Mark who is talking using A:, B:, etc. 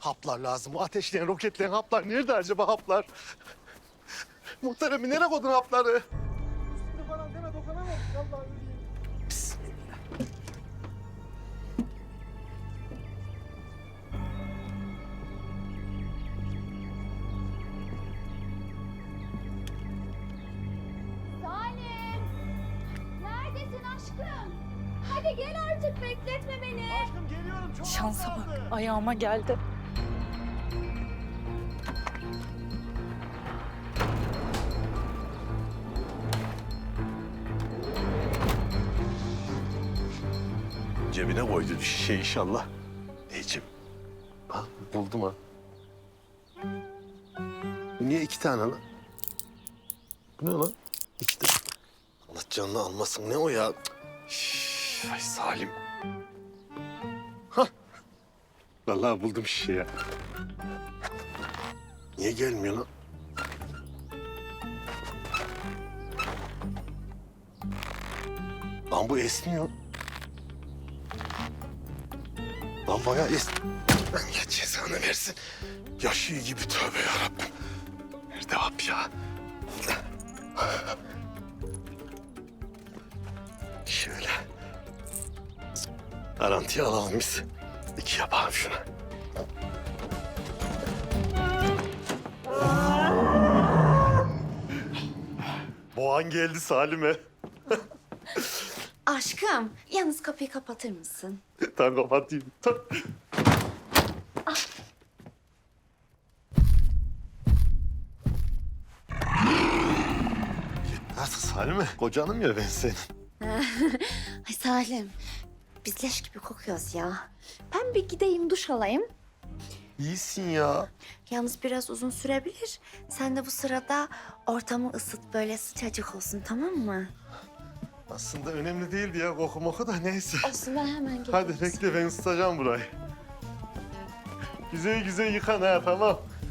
A: Haplar lazım. Bu ateşleyen, roketleyen haplar. Nerede acaba haplar? Muhterem nereye koydun hapları? Üstüne falan deme dokunamam. Vallahi öleyim. Bismillah.
B: Salim! Neredesin aşkım? Hadi gel artık bekletme beni.
A: Aşkım geliyorum. Çok
C: Şansa
A: az
C: bak,
A: kaldı.
C: ayağıma geldi.
A: Cebine koydu bir şişe inşallah. Necim. Bak buldum ha. Bu niye iki tane lan? Bu ne lan? İki tane. Allah canını almasın. Ne o ya? Şş, ay Salim. Hah. Vallahi buldum şişeyi ya. Niye gelmiyor lan? Lan bu esniyor. Lan bayağı Allah cezanı versin. Yaşıyor gibi tövbe yarabbim. Nerede hap ya? Şöyle. Garantiye alalım biz. İki yapalım şunu. Boğan geldi Salim'e.
B: Aşkım, yalnız kapıyı kapatır mısın?
A: Tamam kapatayım. Tamam. Nasıl Salim'e? Kocanım ya ben senin.
B: Ay Salim, biz leş gibi kokuyoruz ya. Ben bir gideyim duş alayım.
A: İyisin ya.
B: Yalnız biraz uzun sürebilir. Sen de bu sırada ortamı ısıt, böyle sıcacık olsun, tamam mı?
A: Aslında önemli değildi ya koku moku da neyse.
B: Olsun, ben hemen geliyorum.
A: Hadi bekle ben ısıtacağım burayı. Güzel güzel yıkan ha tamam.